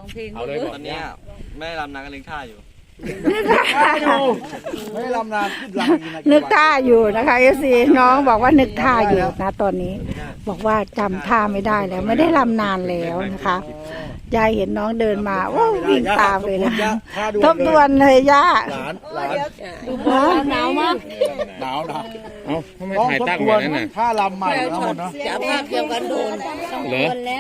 เพลงเอาเลยบอกตอนนี้แม่รำนางก็เลี้ยงข้าอยู่ไม่ลำนานขึ้นลำนึกท่าอยู่นะคะFCน้องบอกว่านึกท่าอยู่นะตอนนี้ บอกว่าจำท่าไม่ได้แล้ว ไม่ได้ลำนานแล้วนะคะยายเห็นน้องเดินมาโอ้วิ่งตามเลยนะทบทวนเลยย่าหลานหนาวมากหนาวเอ้าทำไมถ่ายตั้งแบบนั้นน่ะถ้าลำใหม่ทั้งหมดเนาะจะภาพเดียวกันโดนเหรอแล้ว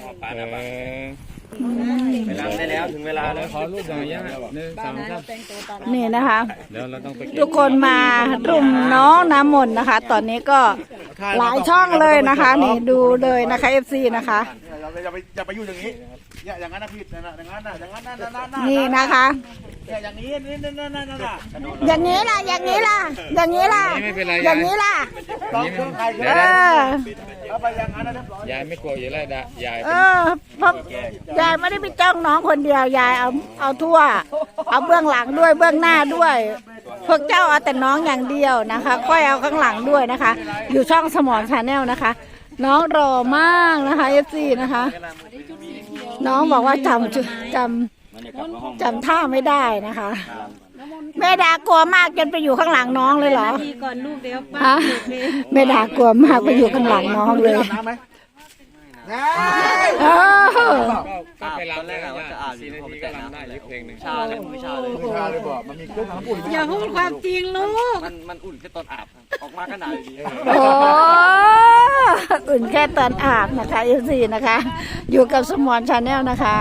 ไปรำได้แล้วถึงเวลาแล้วขอรูปหน่อยย่าหนึ่งสองสามนี่นะคะเดี๋ยวเราต้องไปทุกคนมารุมน้องน้ำมนต์นะคะ ตอนนี้ก็หลายช่องเลยนะคะ นี่ดูเลยนะคะ FC นะคะอย่าไปอยู่อย่างนี้อย่างนั้นนะพี่อย่างนั้นนะนี่นะคะอย่างนี้นั่นอย่างนี้ล่ะอย่างนี้ล่ะอย่างนี้ล่ะไม่เป็นไรอย่ายางนี้ล่ะต้องเครื่องใครเออเอาไปอย่างนั้นนะเรียบร้อยยายไม่กลัวอยู่แล้วยายเออเพราะยายไม่ได้ไปจ้องน้องคนเดียวยายเอาทั่ว เอาเบื้องหลังด้วยเบื้องหน้าด้วย พวกเจ้าเอาแต่น้องอย่างเดียวนะคะค่อยเอาข้างหลังด้วยนะคะ อยู่ช่องสมอนชาแนลนะคะ น้องรอมากนะคะ FC นะคะ น้องบอกว่าจำท่าไม่ได้นะคะ แม่ดากลัวมากจนไปอยู่ข้างหลังน้องเลยเหรอทีก่อนลูกเดี๋ยวป้าฮะแม่ดากลัวมากไปอยู่ข้างหลังน้องเลยน้ำไหมเออก็ไปรำได้ย่า4 นาทีก็รำได้อีกเพลงหนึ่งชาเลยไม่ชาเลยไม่ชาเลยบอกมันมีเครื่องทำอุ่นอย่าพูดความจริงลูกมันอุ่นแค่ตอนอาบออกมาก็หนาวอยู่ดีโอ้อุ่นแค่ตอนอาบนะคะFCนะคะ อยู่กับสมอนชาแนลนะคะ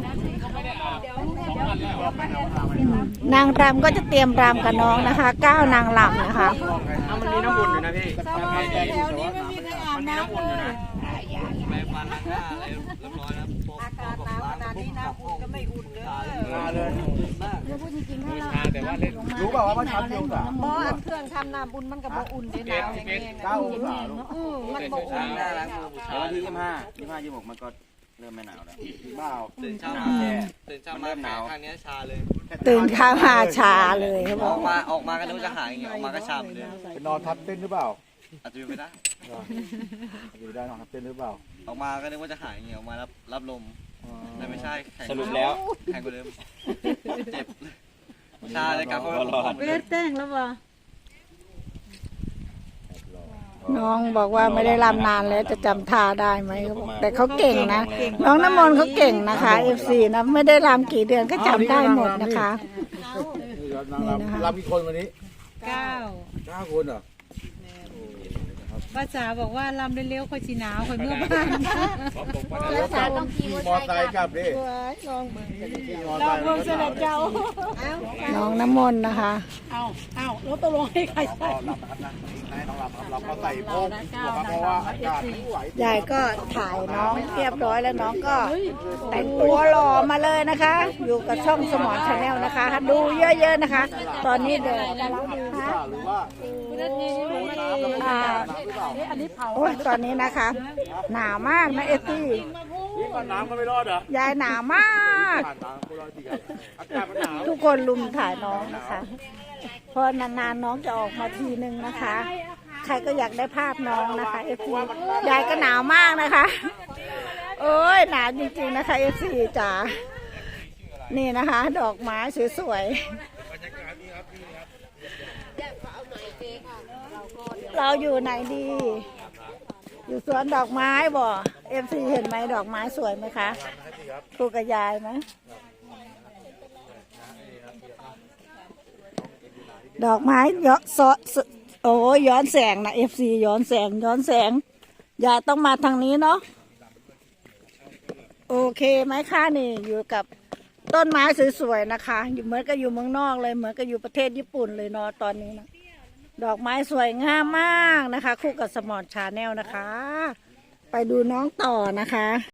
นางรำก็จะเตรียมรำกับน้องนะคะ9 นางรำนะคะมันมีน้ำอุ่นอยู่นะพี่มันมีน้ำอุ่นอยู่นะแปรงฟันล้างหน้าอะไรเรียบร้อยแล้วอากาศหนาวขนาดนี้น้ำอุ่นก็ไม่อุ่นเลยมาเลยมือชาแต่ว่าเล่นรู้เปล่าว่ามันทำเดียวกันหม้ออันเครื่องทำน้ำอุ่นมันก็บ่อุ่นเด้หนาวอย่างนี้ 9 องศาลูกมันบ่อุ่นหน้าล้างมือบูชาวันที่25 26มันก็เริ่มไม่หนาวแล้วบ้าตื่นเช้ามาตื่นเช้ามาหนาวข้างนี้ชาเลยตื่นข้ามาชาเลยเขาบอออก กมาก็นึกว่าจะหายอย่างเงี้ยออกมาก็ชาเหมือนเดิมเป็นนอนทับเต้นหรือเปล่าอาจจะเป็นไปได้อยู่ได้นอนทับเต้นหรือเปล่าออกมาก็นึกว่าจะหายอย่างเงี้ยออกมารับลมแต่ไม่ใช่แข็งสรุปแล้วแข็งกว่าเดิมเจ็บชาเลยกลับมาเลือดแต้งแล้วบ่น้องบอกว่าไม่ได้รำนานแล้วจะจำท่าได้ไหมเขาบอกแต่เขาเก่งนะ น้องน้ำมนต์เขาเก่งนะคะ FC นะไม่ได้รำกี่เดือนก็จำได้หมดนะคะเรามีคนวันนี้ 9 9 คนเหรอภาษาบอกว่าลำเร็วๆค่อยสิหนาวค่อยเมื่อบ้านภาษาต้องขี่มอไซค์กลับดิลองเบิ่งเสด็จเจ้าน้องน้ำมนต์นะคะแล้วตกลงให้ใครใส่เราก็ใส่โพกเพราะว่าอากาศไม่ไหวยายก็ถ่ายน้องเรียบร้อยแล้วน้องก็แต่งตัวหล่อมาเลยนะคะ อยู่กับช่องสมอนชาแนลนะคะ ดูเยอะๆนะคะ ตอนนี้เดี๋ยวกำลังดูนะหรือว่าโอ้ยตอนนี้นะคะ หนาวมากนะFC นี่ก่อนน้ำก็ไม่รอดเหรอยายหนาวมากผ่านน้ำก็รอดดีอากาศมันหนาวทุกคนลุมถ่ายน้องนะคะเพอนานๆน้องจะออกมาทีนึงนะคะ ใครก็อยากได้ภาพน้องนะคะFC ยายก็หนาวมากนะคะโอ้ยหนาวจริงๆนะคะ FC จ๋านี่นะคะ ดอกไม้สวยๆเราอยู่ไหนดี อยู่สวนดอกไม้บ่ FC เห็นไหมดอกไม้สวยไหมคะครูกับยายไหมดอกไม้ย้อนโอ้ย้อนแสงนะ FC ย้อนแสงยายต้องมาทางนี้เนาะโอเคไหมคะนี่อยู่กับต้นไม้สวยๆนะคะอยู่เหมือนกับอยู่เมืองนอกเลยเหมือนกับอยู่ประเทศญี่ปุ่นเลยเนาะตอนนี้นะดอกไม้สวยงามมากนะคะ คู่กับสมอนชาแนลนะคะ ไปดูน้องต่อนะคะ